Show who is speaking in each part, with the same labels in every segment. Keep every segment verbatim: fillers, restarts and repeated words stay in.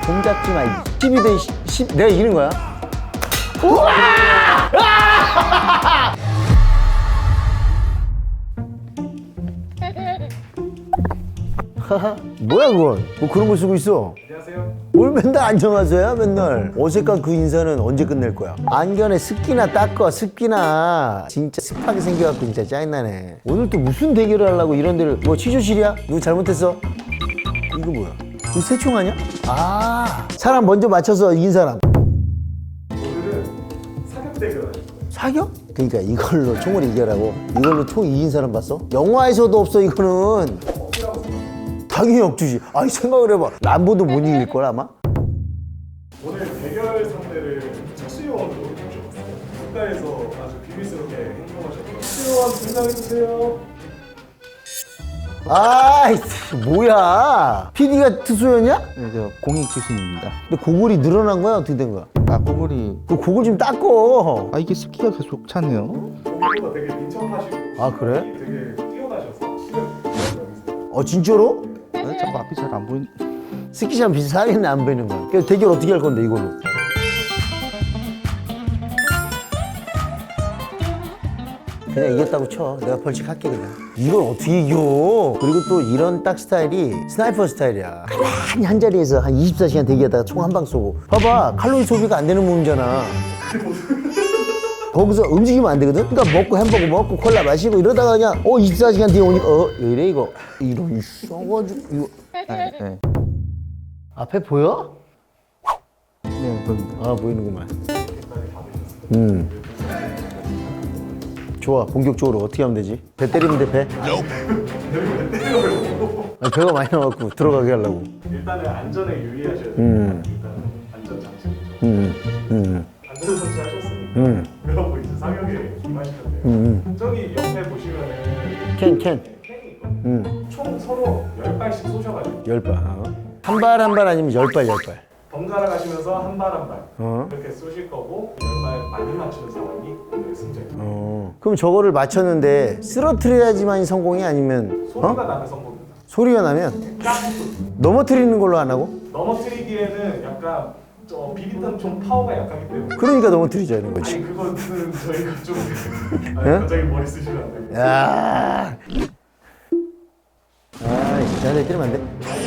Speaker 1: 공 잡지 마. 십이 대 십. 내가 이기는 거야. 우와! 아! 뭐야 그건? 뭐 그런 걸 쓰고 있어?
Speaker 2: 안녕하세요.
Speaker 1: 뭘 맨날 안녕하세요 맨날. 어색한 그 인사는 언제 끝낼 거야? 안견에 습기나 닦어. 습기나. 진짜 습하게 생겨갖고 진짜 짜증나네. 오늘 또 무슨 대결을 하려고 이런 데를. 뭐 취조실이야? 누구 잘못했어? 이거 뭐야? 이거 새총 아니야? 아, 사람 먼저 맞춰서 이긴 사람.
Speaker 2: 오늘은 사격 대결 하실 거예요.
Speaker 1: 사격? 그러니까 이걸로 총을 이겨라고. 이걸로 총 이긴 사람 봤어? 영화에서도 없어 이거는.
Speaker 2: 억지라고 생각해요.
Speaker 1: 당연히 억지지. 아니 생각을 해봐. 람보도 못 이길 걸 아마?
Speaker 2: 오늘 대결 상대를 특수요원으로 모셔봤어요. 국가에서 아주 비밀스럽게 행동하셨던 특수요원 등장해주세요.
Speaker 1: 아이 뭐야? 피디가 특수였냐?
Speaker 3: 네, 저 공익 출신입니다.
Speaker 1: 근데 고글이 늘어난 거야? 어떻게 된 거야?
Speaker 3: 아, 고글이
Speaker 1: 그 고글 좀 닦어.
Speaker 3: 아 이게 습기가 계속 차네요.
Speaker 2: 공보다 되게 민첩하시고
Speaker 1: 아 그래?
Speaker 2: 되게 뛰어나셔서 실력 있으세요.
Speaker 1: 어 진짜로?
Speaker 3: 아, 자꾸 앞이 잘 안 보이는.
Speaker 1: 스키장 비슷하겠네 안 보이는 거야. 그래서 대결 어떻게 할 건데 이걸로? 그냥 이겼다고 쳐. 내가 벌칙할게 그냥. 이걸 어떻게 이겨? 그리고 또 이런 딱 스타일이 스나이퍼 스타일이야. 가만히 한 자리에서 한 이십사 시간 대기하다가 총 한 방 쏘고. 봐봐, 칼로리 소비가 안 되는 몸이잖아. 거기서 움직이면 안 되거든? 그러니까 먹고 햄버거 먹고 콜라 마시고 이러다가 그냥 어 이십사 시간 뒤에 오니까 어 왜 이래 이거. 이런 써가지고 이거.
Speaker 3: 네, 네.
Speaker 1: 앞에 보여?
Speaker 3: 네, 보입니다.
Speaker 1: 아 보이는구만. 음. 좋아. 본격적으로 어떻게 하면 되지? 배 때리면 돼 배? 아니, 배가 많이 나와갖고 들어가게 하려고.
Speaker 2: 일단은 안전에 유의하셔야 돼요.
Speaker 1: 음.
Speaker 2: 일단은 안전 장치부터.
Speaker 1: 음. 음.
Speaker 2: 안전 장치 하셨으니까.
Speaker 1: 음.
Speaker 2: 그러고 이제 사격에 임하실 건데요.
Speaker 1: 음.
Speaker 2: 저기 옆에 보시면은
Speaker 1: 캔 캔.
Speaker 2: 캔이 있거든요.
Speaker 1: 음.
Speaker 2: 총 서로 열 발씩 쏘셔가지고
Speaker 1: 열 발. 어. 한 발 한 발 아니면 열 발 열 발.
Speaker 2: 번갈아 가시면서 한 발 한 발
Speaker 1: 어.
Speaker 2: 이렇게 쏘실 거고 열 발 많이 맞추는 사람이 오늘 승자입니다.
Speaker 1: 어. 그럼 저거를 맞췄는데 쓰러뜨려야지만이 성공이 아니면
Speaker 2: 소리가
Speaker 1: 어?
Speaker 2: 나는 성공입니다.
Speaker 1: 소리가 나면
Speaker 2: 깍!
Speaker 1: 넘어뜨리는 걸로 안 하고?
Speaker 2: 넘어뜨리기에는 약간 저 비비탄 좀 파워가 약하기 때문에
Speaker 1: 그러니까 넘어뜨리자는 거지.
Speaker 2: 아니 그거는 저희가 좀 아니,
Speaker 1: 예?
Speaker 2: 갑자기 머리 쓰시면 안 됩니다.
Speaker 1: 야. 아, 자네 때리면 안 돼?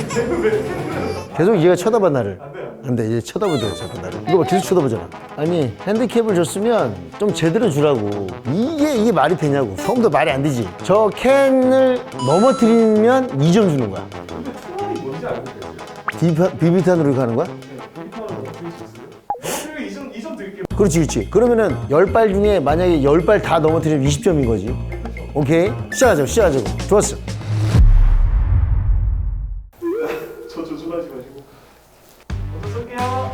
Speaker 1: 계속 얘가 쳐다봐 나를.
Speaker 2: 안 돼요.
Speaker 1: 안 돼, 얘 쳐다보잖아, 자꾸 나를. 이거 봐, 계속 쳐다보잖아. 아니, 핸디캡을 줬으면 좀 제대로 주라고. 이게, 이게 말이 되냐고. 처음부터 말이 안 되지. 저 캔을 넘어뜨리면 이 점 주는 거야.
Speaker 2: 근데 초월이 뭔지 알고 계세요?
Speaker 1: 비비타, 비비탄으로 가는 거야?
Speaker 2: 네, 비비탄으로 넘어뜨릴 수 있어요? 그리고 이점 이점 드릴게요.
Speaker 1: 그렇지, 그렇지. 그러면은 열 발 중에 만약에 열 발 다 넘어뜨리면 이십 점인 거지. 오케이? 시작하자고, 시작하자고. 좋았어.
Speaker 2: 저 조준하지 마시고 먼저 쏠게요.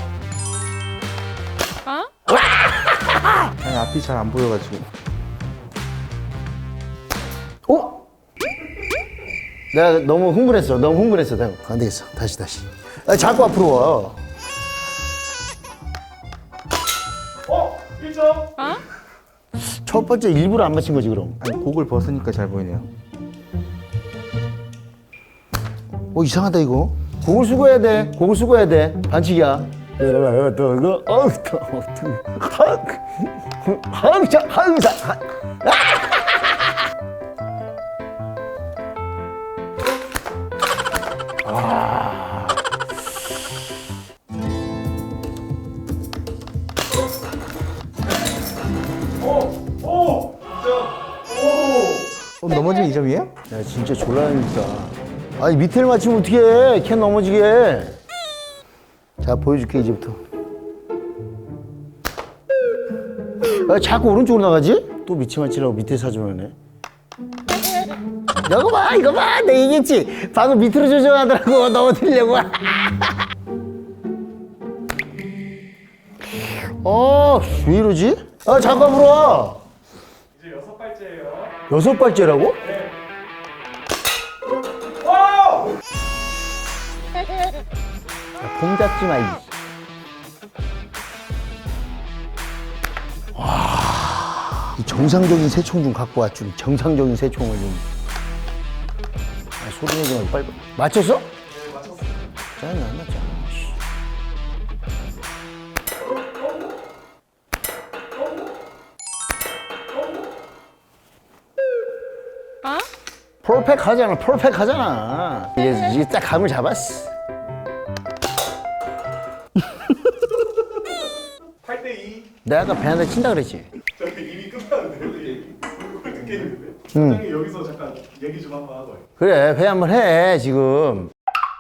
Speaker 3: 아니 앞이 잘 안 보여가지고.
Speaker 1: 어? 내가 너무 흥분했어. 너무 흥분했어. 내가. 안 되겠어. 다시 다시. 아, 자꾸 앞으로 와.
Speaker 2: 어? 일 점.
Speaker 1: 첫 번째 일부러 안 맞힌 거지 그럼.
Speaker 3: 아니 고글 벗으니까 잘 보이네요.
Speaker 1: 어 이상하다 이거. 고글 수거해야 돼. 고글 수거해야 돼. 반칙이야. 이거 또 이거 어우 또 어떻게 항상 항상
Speaker 2: 오! 오! 진짜 오!
Speaker 3: 어, 넘어지면 이 점이에요?
Speaker 1: 야 진짜 졸라니까. 아니 밑에를 맞추면 어떡해. 캔 넘어지게. 자 보여줄게 이제부터. 아, 자꾸 오른쪽으로 나가지? 또 밑에 맞추려고 밑에 사주면네. 이거 봐 이거 봐 내가 얘기했지. 방금 밑으로 조정하더라고 넘어뜨리려고. 어, 왜 이러지? 아 잠깐 물어.
Speaker 2: 이제 여섯 발째예요.
Speaker 1: 여섯 발째라고?
Speaker 2: 네. 와우!
Speaker 1: 공 잡지 마. 이. 와, 이 정상적인 새총 좀 갖고 왔 좀. 정상적인 새총을 좀. 아, 소리 내지 말고 빨리. 맞췄어?
Speaker 2: 네, 맞췄어요.
Speaker 1: 짜증나, 나 짜증나. 씨. 퍼펙트 하잖아, 퍼펙트 하잖아. 이게, 이게 딱 감을 잡았어.
Speaker 2: 팔 대 이.
Speaker 1: 내가 아까 배한테 친다 그랬지?
Speaker 2: 저희 이미 끝났는데 얘기. 그걸 듣게 했는데. 사장님 여기서 잠깐 얘기 좀 한번 하고요.
Speaker 1: 그래, 배 한번 해, 지금.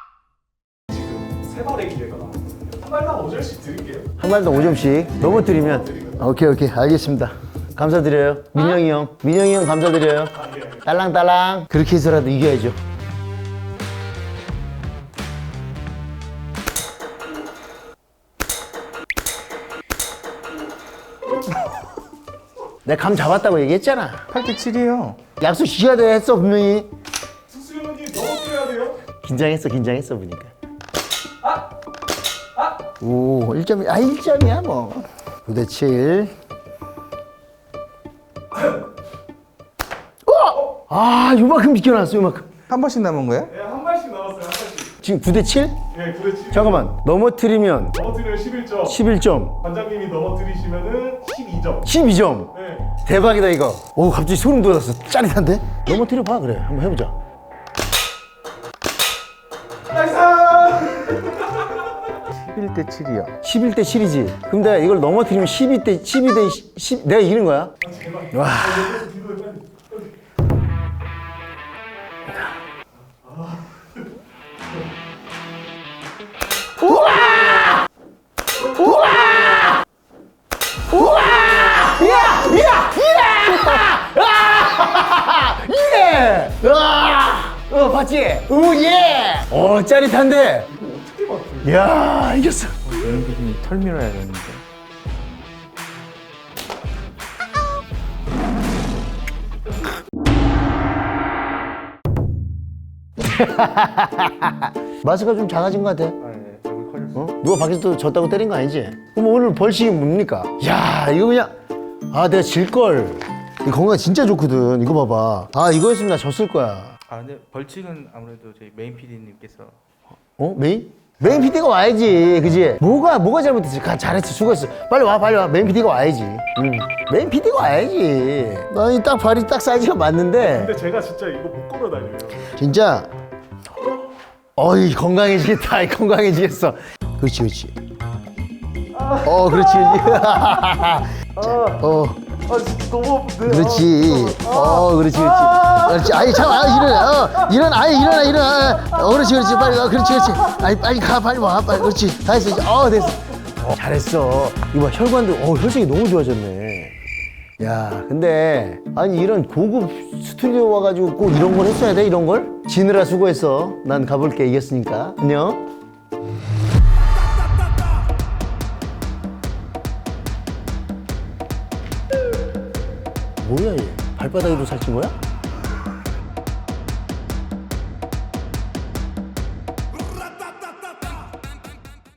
Speaker 2: 지금 세 발의 기회가 나왔거든요. 한 발당 오 점씩 드릴게요.
Speaker 1: 한 발당 오 점씩 넘어뜨리면. 오케이, 오케이, 알겠습니다. 감사드려요. 민영이 형. 민영이 형 감사드려요.
Speaker 2: 아, 예.
Speaker 1: 딸랑딸랑. 그렇게 해서라도 이겨야죠. 내가 감 잡았다고 얘기했잖아.
Speaker 3: 팔 대 칠이에요.
Speaker 1: 약속 지켜야 돼 했어, 분명히.
Speaker 2: 숙수형님 넘어뜨려야 돼요.
Speaker 1: 긴장했어, 긴장했어, 보니까.
Speaker 2: 아! 아!
Speaker 1: 오, 일 점이, 아, 일 점이야, 뭐. 구 대 칠. 어! 아, 요만큼 비켜놨어, 요만큼.
Speaker 3: 한 번씩 남은 거야?
Speaker 2: 네, 한 발씩 남았어요. 한 발씩.
Speaker 1: 지금 구 대 칠?
Speaker 2: 네, 구 대 칠.
Speaker 1: 잠깐만, 넘어뜨리면
Speaker 2: 넘어뜨리면 십일 점.
Speaker 1: 십일 점,
Speaker 2: 관장님이 넘어뜨리시면은 십이 점.
Speaker 1: 십이 점.
Speaker 2: 네.
Speaker 1: 대박이다, 이거. 오, 갑자기 소름 돋았어. 짜릿한데? 넘어뜨려봐, 그래. 한번 해보자.
Speaker 2: 나이스!
Speaker 3: 십일 대 칠이요.
Speaker 1: 십일 대 칠이지. 그럼 내가 이걸 넘어뜨리면 십이 대, 십이 대 십, 내가 이기는 거야?
Speaker 2: 아, 제발.
Speaker 1: 와.
Speaker 2: 아, 여기서 뒤로 해, 빨리.
Speaker 1: 이야! 이야! 이야! 아! 예! 아! 어, 봤지? 오, 예! 어, 짜릿한데? 이야, 이겼어.
Speaker 3: 메인 피디님 털 밀어야 되는데.
Speaker 1: 마스가 좀 작아진 것 같아.
Speaker 3: 아, 네. 여기 커졌어.
Speaker 1: 어? 누가 밖에서 또 졌다고 때린 거 아니지? 그럼 오늘 벌칙이 뭡니까? 야, 이거 그냥, 아, 내가 질걸. 이 건강 진짜 좋거든. 이거 봐봐. 아, 이거였으면 나 졌을 거야.
Speaker 3: 아, 근데 벌칙은 아무래도 저희 메인 피디님께서.
Speaker 1: 어? 메인? 메인 피디가 와야지, 그지? 뭐가, 뭐가 잘못했지? 가, 잘했지, 수고했어. 빨리 와, 빨리 와. 메인 피디가 와야지. 응. 메인 피디가 와야지. 아니, 딱 발이 딱 사이즈가 맞는데,
Speaker 2: 근데 제가 진짜 이거 못 걸어 다녀요.
Speaker 1: 진짜, 어이, 건강해지겠다. 건강해지겠어. 그렇지, 그렇지. 어, 그렇지, 그렇지. 어.
Speaker 2: 아, 진짜 너무 아픈데.
Speaker 1: 그렇지. 어, 그렇지, 그렇지. 그렇지. 아니, 참, 아, 일어나. 어, 일어나. 아니, 일어나, 일어나. 어, 그렇지, 그렇지. 빨리 가. 그렇지, 그렇지. 아니, 빨리 가. 빨리 와. 빨리. 그렇지. 다 했어. 이제. 어, 됐어. 어, 잘했어. 이거 봐, 혈관도, 어, 혈색이 너무 좋아졌네. 야, 근데, 아니, 이런 고급 스튜디오 와가지고 꼭 이런 걸 했어야 돼, 이런 걸? 지느라 수고했어. 난 가볼게, 이겼으니까. 안녕. 뭐야, 얘? 발바닥으로 살찐 거야?